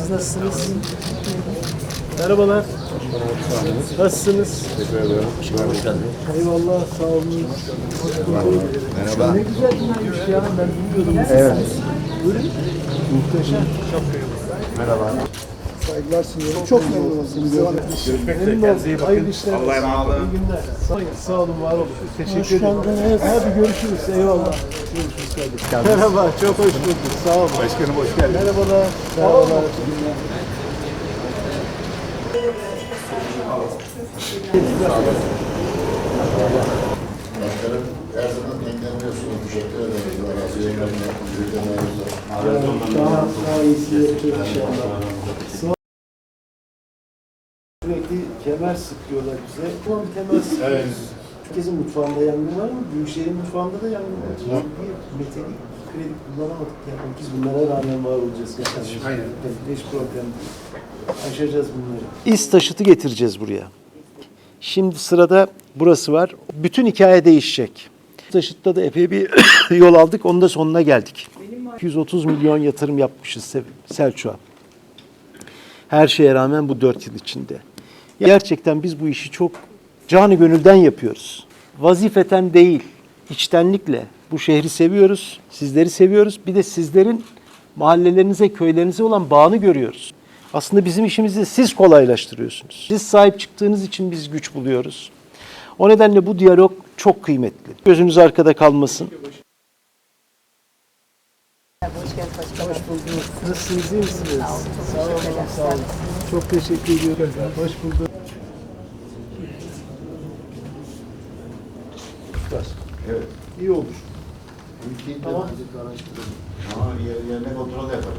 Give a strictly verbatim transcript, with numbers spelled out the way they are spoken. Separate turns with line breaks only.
Siz nasılsınız? Merhabalar. Nasılsınız?
Teşekkür ederim. Hoş geldin.
Eyvallah, sağ olun. Hoş bulduk.
Merhaba.
Ne güzel günlermiş ya, ben bilmiyordum.
Evet.
Buyurun. Muhteşem.
Merhaba.
Saygılar sunuyorum. Çok memnun oldum.
Görüşmek üzere.
Memnun
Kendinize iyi
oldum.
bakın.
Hayırlı işler.
Allah'a emanet olun.
İyi günler. Sağ, sağ olun, var olun. Teşekkür ederim. Hoş geldiniz. Hadi görüşürüz. Eyvallah. Görüşürüz kardeşim. Merhaba, çok hoş bulduk. Sağ olun.
Başkanım hoş geldin.
Merhabalar. Merhabalar.
Başkanım, her zaman dinleniyorsunuz. Teşekkür ederiz. Razı yayınlarına, büyüklerine.
Daha, daha iyisi yapacak inşallah. Sürekli kemer sıkıyorlar bize. Ulan bir kemer sıkıyoruz.
Evet.
Herkesin mutfağında yangın var mı? Büyükşehir'in mutfağında da yangın var. Bir metalik kredi kullanamadık. Yani biz bunlara rağmen var olacağız.
Aynen.
Hiç problem değil. Aşacağız bunları. İz taşıtı getireceğiz buraya. Şimdi sırada burası var. Bütün hikaye değişecek. Taşıt'ta da epey bir yol aldık. Onun da sonuna geldik. iki yüz otuz milyon yatırım yapmışız Selçuk'a. Her şeye rağmen bu dört yıl içinde. Gerçekten biz bu işi çok canı gönülden yapıyoruz. Vazifeten değil, içtenlikle bu şehri seviyoruz, sizleri seviyoruz. Bir de sizlerin mahallelerinize, köylerinize olan bağını görüyoruz. Aslında bizim işimizi siz kolaylaştırıyorsunuz. Siz sahip çıktığınız için biz güç buluyoruz. O nedenle bu diyalog çok kıymetli. Gözünüz arkada kalmasın.
Hoş geldiniz başkanım.
Hoş bulduk. Nasılsınız, iyi misiniz?
Sağ olun, çok
Sağ olun,
teşekkür ederim.
sağ olun. Çok teşekkür ediyorum. Hoş bulduk.
Evet.
İyi olur.
Ülkeyi
Tamam.
temizlik araştıralım. Ama yer, yerine kontrol yapalım.